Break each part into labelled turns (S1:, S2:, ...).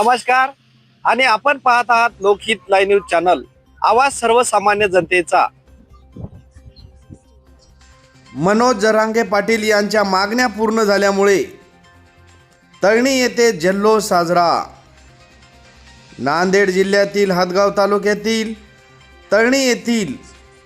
S1: नमस्कार आणि आपण पाहत आहात लोकहित लाईव्ह न्यूज चॅनल, आवाज सर्वसामान्य जनतेचा। मनोज जरांगे पाटील यांच्या मागण्या पूर्ण झाल्यामुळे तळणी येथे जल्लोष साजरा। नांदेड जिल्ह्यातील हदगाव तालुक्यातील तळणी येथील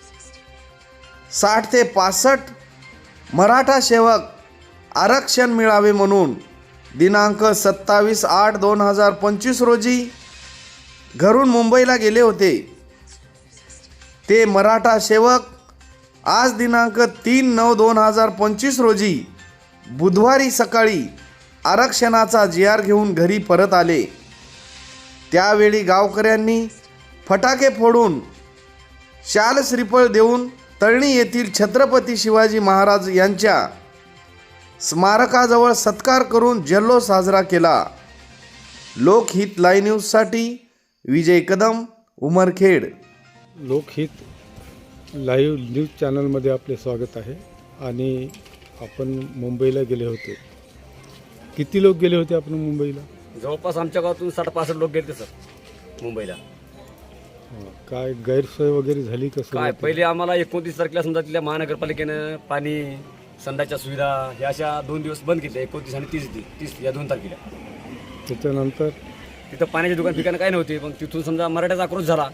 S1: 60 ते 65 मराठा सेवक आरक्षण मिळावे म्हणून दिनांक 27/8/2025 रोजी घरून मुंबईला गेले होते। ते मराठा सेवक आज दिनांक 3/9/2025 रोजी बुधवारी सकाळी आरक्षणाचा GR घेऊन घरी परत आले। त्यावेळी गावकऱ्यांनी फटाके फोडून शाल श्रीफळ देऊन तळणी येथील छत्रपती शिवाजी महाराज यांच्या स्मारकाजवळ सत्कार करून जल्लोष साजरा केला। लोकहित लाईव्ह न्यूजसाठी विजय कदम, उमरखेड।
S2: लोकहित लाईव्ह न्यूज चॅनलमध्ये आपले स्वागत आहे। आणि आपण मुंबईला गेले होते। किती लोक गेले होते आपण मुंबईला?
S3: जवळपास आमच्या गावातून 60-65 लोक गेले सर मुंबईला।
S2: काय गैरसोय वगैरे झाली कसं?
S3: काय पहिले आम्हाला 29 तारखेला समजा तिथल्या महानगरपालिकेनं पाणी, संडासच्या सुविधा ह्या अशा 2 दिवस बंद केल्या, 29 आणि 30 या 2 तारखेला।
S2: त्याच्यानंतर
S3: तिथं पाण्याची दुकान ठिकाणं काही नव्हती, पण तिथून समजा मराठ्याचा आक्रोश झाला।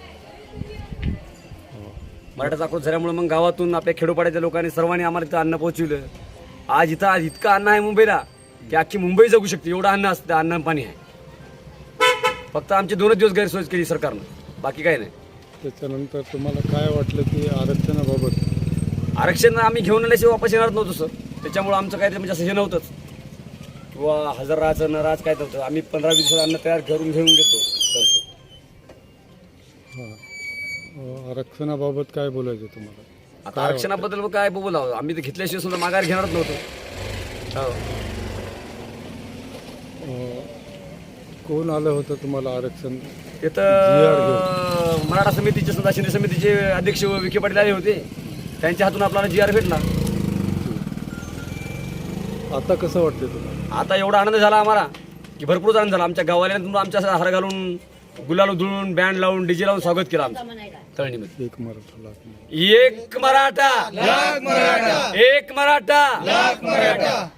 S3: मराठ्याचा आक्रोश झाल्यामुळे मग गावातून आपल्या खेडोपाड्याच्या लोकांनी सर्वांनी आम्हाला इथं अन्न पोहोचवलं। आज इतकं अन्न आहे मुंबईला की अख्खी मुंबई जगू शकते, एवढं अन्न असतं, अन्न पाणी आहे। फक्त आमचे 2 दिवस गैरसोय केली सरकारनं, बाकी काही नाही।
S2: त्याच्यानंतर तुम्हाला काय वाटलं की आरक्षणाबाबत?
S3: आरक्षण आम्ही घेऊन आल्याशिवाय वापस येणार नव्हतो सर। त्याच्यामुळे आमचं काय म्हणजे असं हे नव्हतंच किंवा हजर राहायचं न राहायचं काय नव्हतं। आम्ही 15-20 दिवसात अन्न तयार करून घेऊन घेतो सर।
S2: आरक्षणाबाबत काय बोलायचं तुम्हाला?
S3: आता आरक्षणाबद्दल काय बोलावं, आम्ही तर घेतल्याशिवाय सुद्धा माघार घेणारच नव्हतो।
S2: कोण आलं होतं तुम्हाला आरक्षण?
S3: तिथं मराठा समितीचे सुद्धा, शिंदे समितीचे अध्यक्ष विखे पाटील आले होते, त्यांच्या हातून आपल्याला GR भेटला।
S2: आता कसं वाटतं तुम्हाला?
S3: आता एवढा आनंद झाला आम्हाला की भरपूर आनंद झाला। आमच्या गाववाल्यांतून आमच्या हार घालून, गुलाल उधळून, बँड लावून, डीजे लावून स्वागत केलं आमचं तळणीमध्ये।
S2: एक मराठा,
S3: एक मराठा, एक मराठा,